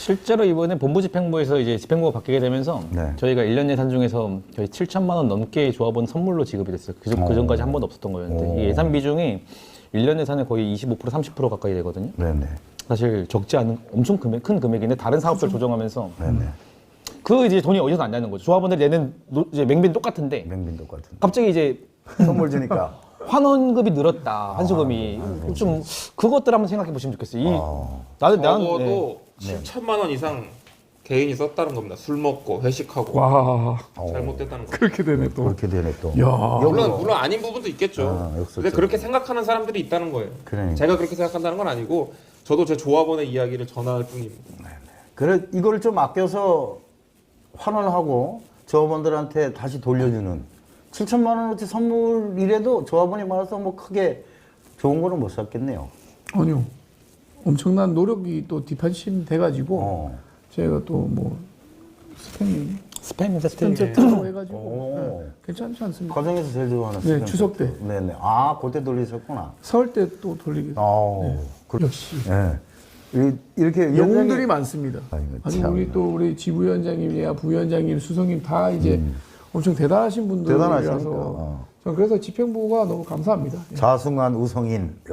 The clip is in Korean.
실제로 이번에 본부집행부에서 이제 집행부가 바뀌게 되면서 네. 저희가 1년 예산 중에서 거의 7천만 원 넘게 조합원 선물로 지급이 됐어요. 그 전까지 한 번도 없었던 거였는데 이 예산 비중이 1년 예산의 거의 25% 30% 가까이 되거든요. 네네. 사실 적지 않은 엄청 큰 금액인데 다른 사업들 조정하면서 네네. 그 이제 돈이 어디서 났냐는 거죠. 조합원들이 내는 이제 맹비는 똑같은데 맹빈 똑같은. 갑자기 이제 선물 주니까. 환원급이 늘었다 환수금이 좀 그것들 한번 생각해 보시면 좋겠어요. 나는 적어도 7천만 원 이상 개인이 썼다는 겁니다. 술 먹고 회식하고 와 잘못됐다는 거. 그렇게 되네 또. 그렇게 되네 또. 야. 물론 아닌 부분도 있겠죠. 역설적으로. 근데 그렇게 생각하는 사람들이 있다는 거예요. 그러니까. 제가 그렇게 생각한다는 건 아니고 저도 제 조합원의 이야기를 전할 뿐입니다. 그래 이걸 좀 아껴서 환원하고 조합원들한테 다시 돌려주는 7천만 원어치 선물이라도 조합원이 많아서 뭐 크게 좋은 거는 못 샀겠네요. 아니요. 엄청난 노력이 또 뒷받침 돼가지고 제가 또 뭐 스팸 스팸 세트 세트라고 해가지고 오. 네, 괜찮지 않습니까? 가정에서 제일 좋아하는 네, 스팸 추석 때. 세트. 네네. 아 그때 돌리셨구나. 설 때 또 돌리게. 역시 네. 이렇게 영웅들이 많습니다. 아이고, 아니 참. 우리 또 우리 지부위원장님이야 부위원장님, 수석님 다 이제 엄청 대단하신 분들이라서 대단하시니까. 저는 그래서 집행부가 너무 감사합니다. 예. 자승한 우성인.